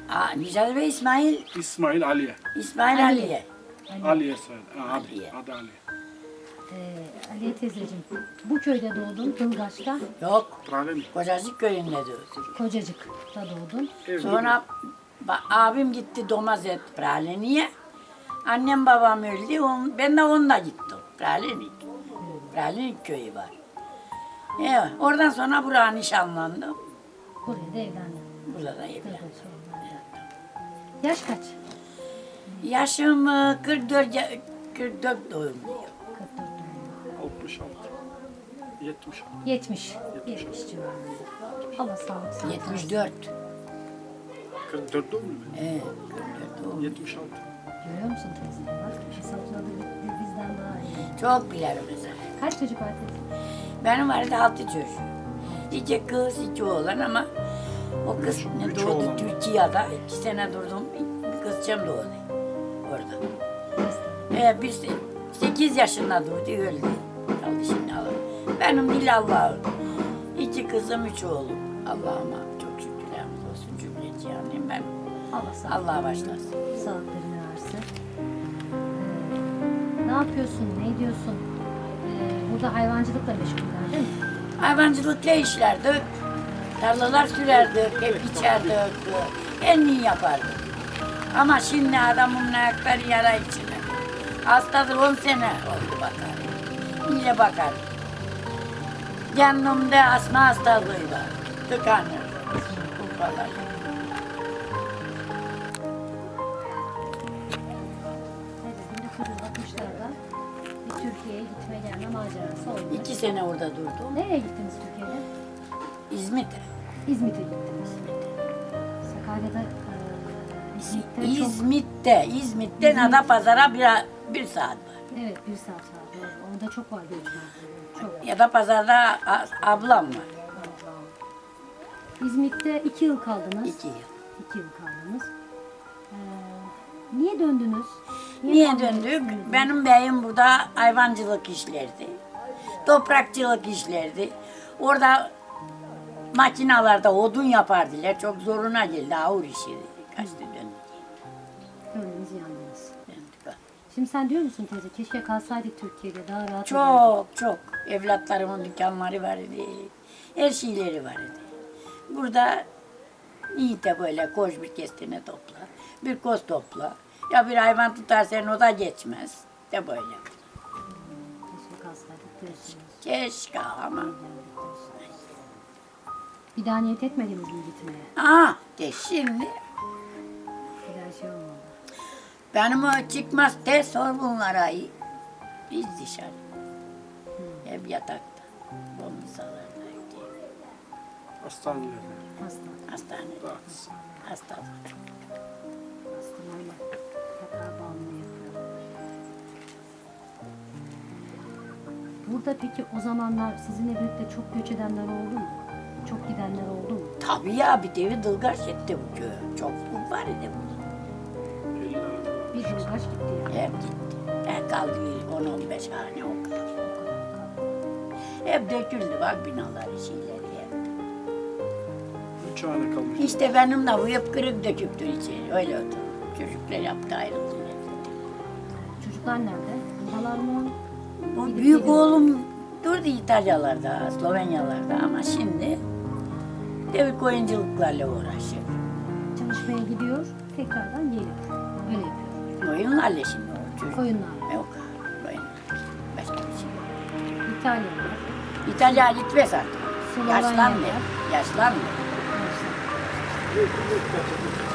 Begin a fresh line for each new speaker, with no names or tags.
Nicat Bey İsmail.
İsmail Aliye.
İsmail Aliye.
Aliye soyadı.
Aliye.
Adı Aliye.
Aliye teyzeciğim, bu köyde doğdun, Dılgaç'ta,
Yok.
Prale mi?
Kocacık köyünde doğdum.
Kocacık'ta doğdun.
Evli
Sonra abim gitti Domazet Praleni'ye. Annem babam öldü. Ben de onunla gittim. Praleni köyü var. Evet, oradan sonra buraya nişanlandım.
Buraya da evlendin.
Burada da evlendim.
Dılgaç'a evlendin. Yaş kaç?
Yaşım 44 doğumluyum.
44 doğumlu.
66. 76.
70. 70 civarında. Allah sağlık versin.
74.
44 doğumlu mu?
Evet, 44 doğumluyum.
76.
Görüyor musun teyze? Bak hesapladı bizden daha iyi.
Çok bilirim mesela.
Kaç çocuk var teyze?
Benim vardı 6 çocuk. 2 kız, 2 oğlan ama o kız
Üç
doğdu
oğlan.
Türkiye'de. 2 sene durdum. Bir kızcağım doğdu orada. Bir 8 yaşında doğdu, öldü. Kaldı şimdi Allah. Benim değil Allah'ım. 2 kızım, 3 oğlum. Allah'ıma çok şükürlerimiz olsun cümleci yani. Ben
Allah sağlık.
Allah'a başlasın.
Sağlıklarını versin. Ne yapıyorsun? Ne ediyorsun? Burada hayvancılıkla meşguller değil mi?
Hayvancılıkla işlerdik. Tarlalar sürerdik, hep içerdik. En iyi yapardık. Ama şimdi adamın ayakları yara içine. Hastadır 10 sene oldu bakar. İyice bakar. Kendimde asma hastalığı var. Tıkanır. Vallahi.
Evet, 1960'larda bir Türkiye'ye gitme gelme macerası oldu.
2 sene orada durdum.
Nereye gittiniz Türkiye'de?
İzmit'e.
İzmit'e gittiniz. Sakarya'da İzmit'te
İzmit'ten Adapazarı'na bir saat var.
Evet, bir saat var. Doğru. Orada çok var göçmen. Çok.
Ya da pazarda ablam var.
İzmit'te 2 yıl kaldınız.
2 yıl.
2 yıl kaldınız. Niye döndünüz?
Niye
kalmak
döndük?
istemediniz?
Benim beyim burada hayvancılık işlerdi. Toprakçılık işlerdi. Orada makinalarda odun yapardılar. Çok zoruna geldi. Ağır işi. Kaçtı döndük.
Döndünüz, yandınız.
Döndük.
Şimdi sen diyor musun teyze, keşke kalsaydık Türkiye'de, daha rahat ederdik.
Çok. Evlatlarımın dükkanları vardı. Her şeyleri vardı. Burada iyi de böyle koş bir kestine topla. Bir koz topla. Ya bir hayvan tutarsan o da geçmez. De böyle.
Keşke kalsaydık diyorsunuz.
Keşke ama.
Bir daha niyet etmediniz mi gitmeye?
De şimdi
Bir daha şey olmadı.
benim o çıkmaz de sor bunlara. Biz dışarı. Hep yatakta. Bombisalarda.
Hastanelerde.
Hastanede.
Rahatsız.
Hastalık.
Hastalarla yatağa bağımlı yapıyor. Burada peki o zamanlar sizinle birlikte çok göç edenler oldu mu? Çok gidenler oldu mu?
Tabii ya bir devi dılgaç etti bu köy. Çok var idi burada.
Bir Dılgaç gitti yani.
Hep gitti. Hep kaldı 10-15 hane o kadar. Hep döküldü bak binaları şeyleri hep.
3 hane kalmış.
İşte benim de bu hep kırık döküktür içeri. Öyle oldu. Çocuklar yaptı ayrıldılar.
Çocuklar nerede? Buradalar mı?
Bu
Gidip
büyük
geliyor.
oğlum durdu İtalyalarda, Slovenyalarda ama şimdi devir koyunculuklarla uğraşıyor.
Çalışmaya gidiyor, tekrardan geliyor. Öyle yapıyor.
Koyunlarla şimdi o çocuk.
Koyunlar.
Yok, koyunlar. Başka bir şey yok.
İtalyalılar.
İtalya gitmez artık.
Slovenya
Yaşlandı.
var.
Yaşlandı.
Neyse.